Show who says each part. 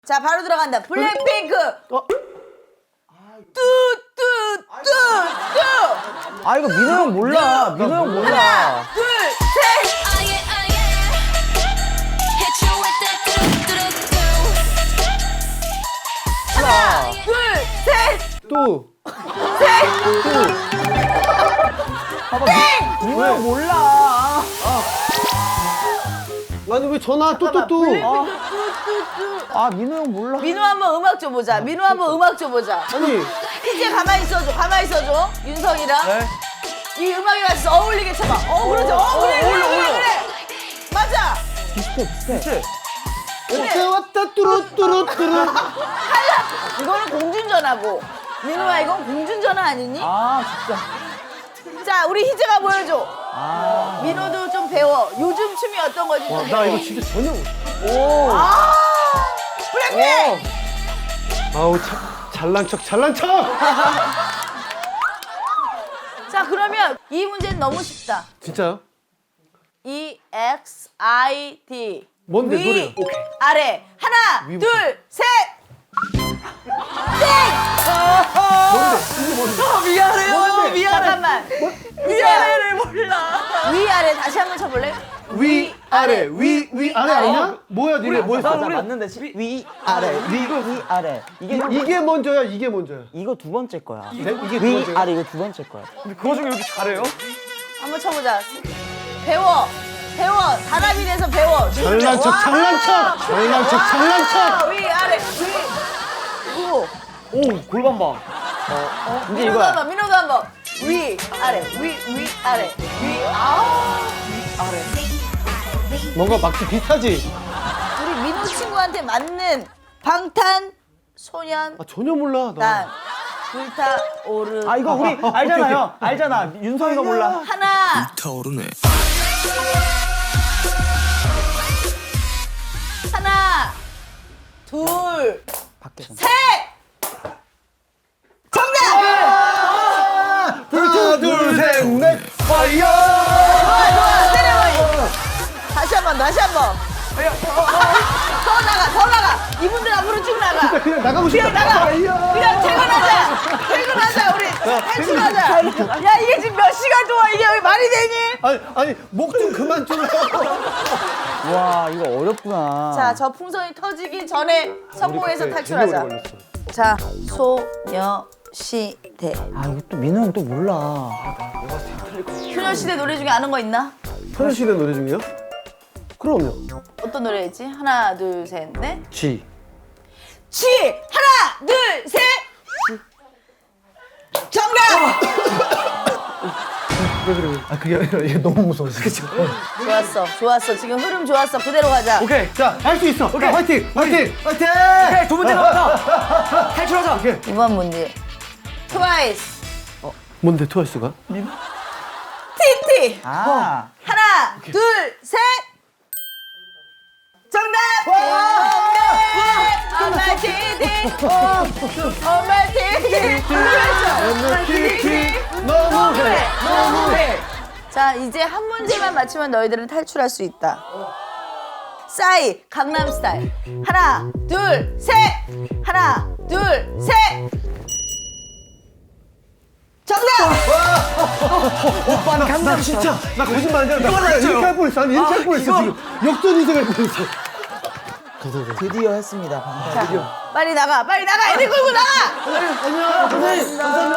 Speaker 1: 자, 바로 들어간다. 블랙핑크. 뚜뚜뚜뚜.
Speaker 2: 아 이거 민호 형 몰라. 민호 형 몰라.
Speaker 1: 하나, 둘, 셋. 하나, 둘, 셋.
Speaker 3: 또.
Speaker 1: 셋.
Speaker 2: 민호 형 몰라.
Speaker 3: 아니 왜 전화 또.
Speaker 2: 아 민호 형 몰라.
Speaker 1: 민호 한번 음악 줘보자. 민호 한번 음악 줘보자.
Speaker 3: 아니
Speaker 1: 이제 가만히 있어줘. 가만히 있어줘. 윤성이랑.
Speaker 2: 네.
Speaker 1: 이 음악에 맞춰서 어울리게 쳐봐. 그렇죠. 그래. 맞아.
Speaker 2: 비슷해.
Speaker 3: 어째 왔다 뚜루뚜루뚜루.
Speaker 1: 이거는 공중전화고. 민호야, 이건 공중전화 아니니?
Speaker 2: 아 진짜.
Speaker 1: 자, 우리 희재가 보여줘.
Speaker 2: 아.
Speaker 1: 민호도 좀 배워. 요즘 춤이 어떤 건지 좀
Speaker 3: 나
Speaker 1: 배워.
Speaker 3: 이거 진짜 전혀.
Speaker 2: 오.
Speaker 1: 아, 블랙핑크!
Speaker 3: 아우 잘난 척.
Speaker 1: 자, 그러면 이 문제는 너무 쉽다.
Speaker 3: 진짜요?
Speaker 1: EXID.
Speaker 3: 뭔데,
Speaker 1: 위,
Speaker 3: 노래요? 오케이.
Speaker 1: 아래. 하나,
Speaker 3: 위부터.
Speaker 1: 둘, 셋.
Speaker 2: 미안해요.
Speaker 1: 잠깐만. 위아래를 몰라. 위아래 다시 한번 쳐볼래?
Speaker 3: 위 아래 위 아래 아니냐? 뭐야 니네 뭐였어?
Speaker 2: 맞아 맞는데 위 아래 위 아래
Speaker 3: 이게 먼저야 이게 먼저야.
Speaker 2: 이거 두 번째 거야.
Speaker 3: 네? 이게 두
Speaker 2: 위
Speaker 3: 번째야?
Speaker 2: 아래 이거 두 번째 거야.
Speaker 4: 그거 중에 이렇게 잘해요?
Speaker 1: 한번 쳐보자. 배워. 단합이 돼서 배워.
Speaker 3: 잘난 척.
Speaker 1: 위, 아래, 위. 오.
Speaker 4: 오 골반 봐.
Speaker 2: 이제
Speaker 1: 민호도
Speaker 2: 이거야.
Speaker 1: 한번, 민호도 한번. 위, 아래, 위, 아래, 위.
Speaker 3: 뭔가 막지 비슷하지?
Speaker 1: 우리 민호 친구한테 맞는 방탄소년
Speaker 3: 아 전혀 몰라
Speaker 1: 단
Speaker 3: 나.
Speaker 1: 불타오르.
Speaker 2: 아 이거 우리 알잖아요. 알잖아. 윤성이가 몰라.
Speaker 1: 하나,
Speaker 5: 타오르네.
Speaker 1: 하나, 둘,
Speaker 2: 밖에서.
Speaker 1: 셋. 정답.
Speaker 3: 하나 둘셋넷 파이어.
Speaker 1: 좋아, 세레머니. 다시 한 번. 더 나가. 이분들 앞으로 쭉 나가.
Speaker 3: 그냥 나가고 싶다.
Speaker 1: 그냥 나가.
Speaker 3: 파이어.
Speaker 1: 그냥 퇴근하자. 우리 탈출하자. 야, 이게 지금 몇 시간 동안 이게 말이 되니?
Speaker 3: 아니 목 좀 그만 좀.
Speaker 2: 와 이거 어렵구나.
Speaker 1: 자, 저 풍선이 터지기 전에 성공해서
Speaker 3: 그때
Speaker 1: 탈출하자.
Speaker 3: 되게 오래 걸렸어.
Speaker 1: 자, 소녀시대.
Speaker 2: 아 이거 또 민호 형 또 몰라.
Speaker 1: 소녀시대 노래 중에 아는 거 있나?
Speaker 3: 소녀시대 노래 중이요? 그럼요.
Speaker 1: 어떤 노래였지? 하나, 둘, 셋, 넷.
Speaker 3: G.
Speaker 1: 지! 하나, 둘, 셋! 정답!
Speaker 3: 왜 그래? 아 그게 아니라 얘 너무 무서워. 그쵸?
Speaker 1: 좋았어. 지금 흐름 좋았어. 그대로 가자.
Speaker 4: 오케이.
Speaker 3: 자, 할 수 있어. 자, 화이팅!
Speaker 4: 오케이 두 문제 남았다. 탈출하자.
Speaker 1: 이번 문제. 트와이스.
Speaker 3: 뭔데 트와이스가?
Speaker 1: TT.
Speaker 2: 아.
Speaker 1: 하나, 둘, 셋! 정답! 엄마 TT. 엄마 TT. 너무해. 자, 이제 한 문제만 맞추면 너희들은 탈출할 수 있다. 싸이, 강남스타일. 하나, 둘, 셋! 하나, 둘, 셋! 정답!
Speaker 4: 오빠는 강남
Speaker 3: 진짜 나 거짓말 안 하잖아. 나 이렇게 할 뻔했어. 아니 이렇게 할 뻔했어 지금. 역전 이승할 뻔했어.
Speaker 2: 드디어 했습니다. 방탄.
Speaker 1: 자, 빨리 나가. 애들 끌고 나가!
Speaker 3: 안녕. 감사합니다.